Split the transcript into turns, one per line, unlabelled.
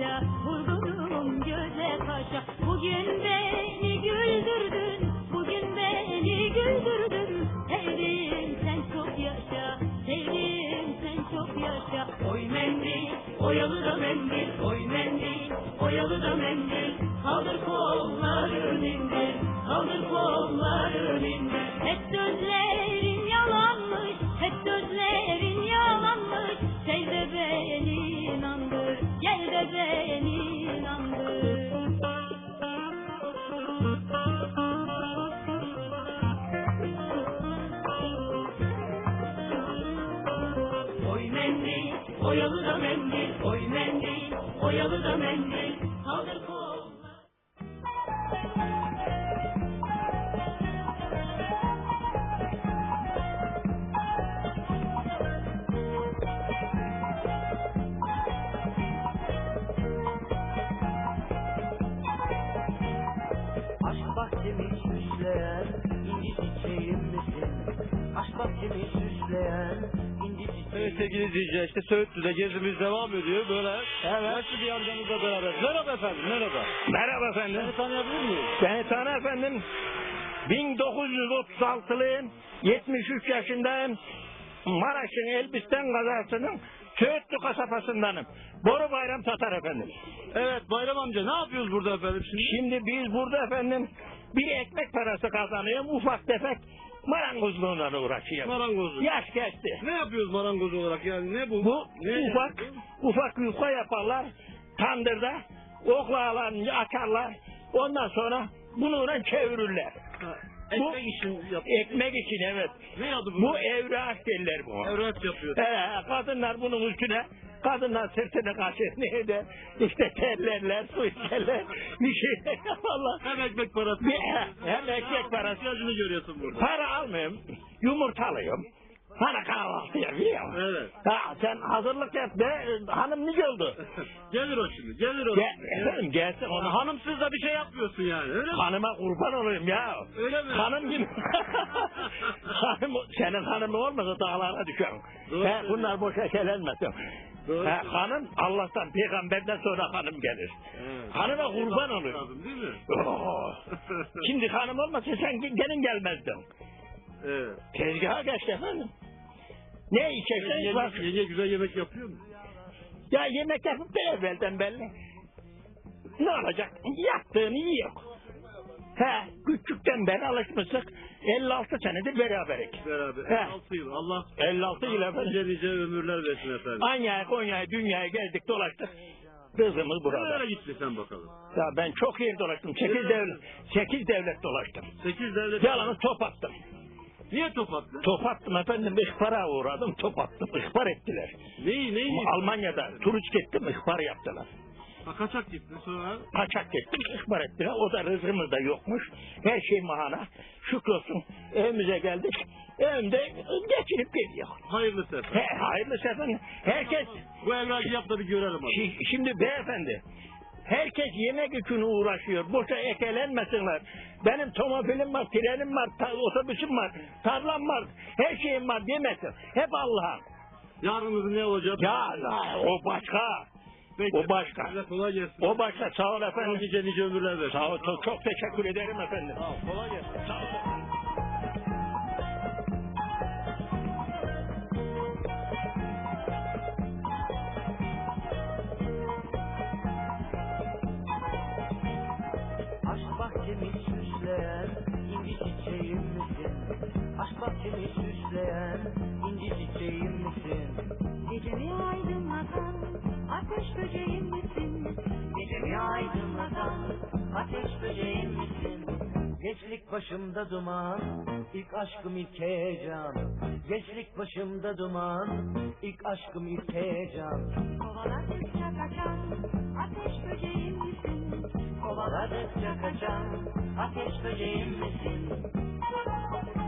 yaşa, vurgunum göze kaşa. Bugün beni güldürdün, bugün beni güldürdün. Sevdim sen çok yaşa, sevdim sen çok yaşa. Oy mendil, oyalı da mendil, oy mendil, oyalı da mendil. Kaldır kolların indir, kaldır kolların indir. Hep sözlerin yalanmış, hep sözlerin yalanmış. Sev de beni inandır, gel de beni inandır. Oy mendil, oyalı da mendil, oy mendil, oyalı da mendil. Kaldır kolları.
Aşk bahçemi süsleyen inci çiçeğim misin? Aşk bahçemi süsleyen inci çiçeğim.
Evet sevgili izleyiciler, işte Söğütlü'de gezimiz devam ediyor böyle. Evet. Yaşlı bir amcamızla beraber. Merhaba efendim, merhaba.
Merhaba efendim.
Seni tanıyabilir miyiz?
Beni tanı efendim. 1936'lıyım. 73 yaşındayım. Maraş'ın Elbistan kazasının Söğütlü kasabasındanım. Boru Bayram Tatar efendim.
Evet Bayram amca, ne yapıyoruz burada efendim şimdi?
Şimdi biz burada efendim bir ekmek parası kazanıyorum. Ufak tefek marangozluğuna uğraşıyorum.
Marangozluk.
Yaş geçti.
Ne yapıyoruz marangoz olarak yani, ne bu?
Bu
Ne
ufak yufka yaparlar. Tandırda oklağlarını açarlar. Ondan sonra bununla çevirirler.
Ha,
Bu-
ekmek için yap.
Ekmek için evet.
Ne adı bu?
Bu evrak derler bu.
Evrak yapıyor.
Kadınlar bunun üstüne, kadınlar sırtını kaşır neydi? İşte terlerler, su içerler, bir şey yaparlar.
Hem ekmek parası.
Hem ekmek parası.
İhtiyacını görüyorsun burada.
Para almıyorum, yumurta alıyorum. Bana kahvaltı yapıyorum.
Evet.
Ha, sen hazırlık yap be, hanım nice oldu?
Gelir o şimdi, gelir o.
Efendim gelsin onu.
Hanımsız da bir şey yapmıyorsun yani, öyle mi?
Hanıma kurban olayım ya.
Öyle mi?
Hanım gibi. Senin hanımı olmasa dağlara düşer.
Doğru
Bunlar boşa şeylenmesin.
Doğru.
Hanım Allah'tan, peygamberden sonra hanım gelir.
Evet.
Hanıma kurban olayım.
Lazım, değil mi?
Şimdi hanım olmasa sen gelin gelmezdin.
Evet.
Tezgaha geçti efendim. Ne içersen var.
Yenge güzel yemek yapıyor mu?
Ya yemek yapıp da evvelden belli. Ne olacak? Yaptığını yiyor. Küçükten beri alışmıştık. 56 senedir beraberik.
Beraber.
He.
56 yıl. Allah
56 yıl efendim.
nice ömürler versin efendim.
Anya'ya, Konya'ya, dünyaya geldik dolaştık. Kızımız burada.
Nereye gittin sen bakalım?
Ya ben çok yer dolaştım. 8 devlet dolaştım.
8 devlet.
Yalanı top attım.
Niye top attın?
Top attım efendim. İhbara uğradım. Top attım. İhbar ettiler.
Neyi?
Almanya'da turist gittim. İhbar yaptılar.
Ha, kaçak gittin sonra?
Kaçak gittim. İhbar ettiler. O da rızkımız da yokmuş. Her şey mahana. Şükrolsun. Evimize geldik. Evimde geçirip geliyor.
Hayırlı sefer.
Hayırlı sefer. Herkes
Bu evrakı yap da bir görelim hadi.
Şimdi beyefendi, herkes yemek için uğraşıyor. Boşa ekelenmesinler. Benim tomobilim var, trenim var, otobüsüm var, tarlam var, her şeyim var demesin. Hep Allah'a.
Yarınızın ne olacak?
Ya o başka.
Peki.
O başka.
Size kolay gelsin.
O başka. Sağ ol efendim.
Nice ömürler versin.
Sağ ol. Çok teşekkür ederim efendim.
Sağ ol. Kolay gelsin.
Sağ ol efendim.
Aşk bahçemi süsleyen inci çiçeğim misin? Aşk bahçemi süsleyen inci çiçeğim misin?
Gecemi aydınlatan ateş böceğim misin?
Gecemi aydınlatan ateş böceğim misin? Gençlik başımda duman, ilk aşkım ilk heyecan. Gençlik başımda duman, ilk aşkım ilk heyecan.
Kovaladıkça kaçan ateş böceğim misin?
Kovaladıkça kaçan ateş böceğim misin?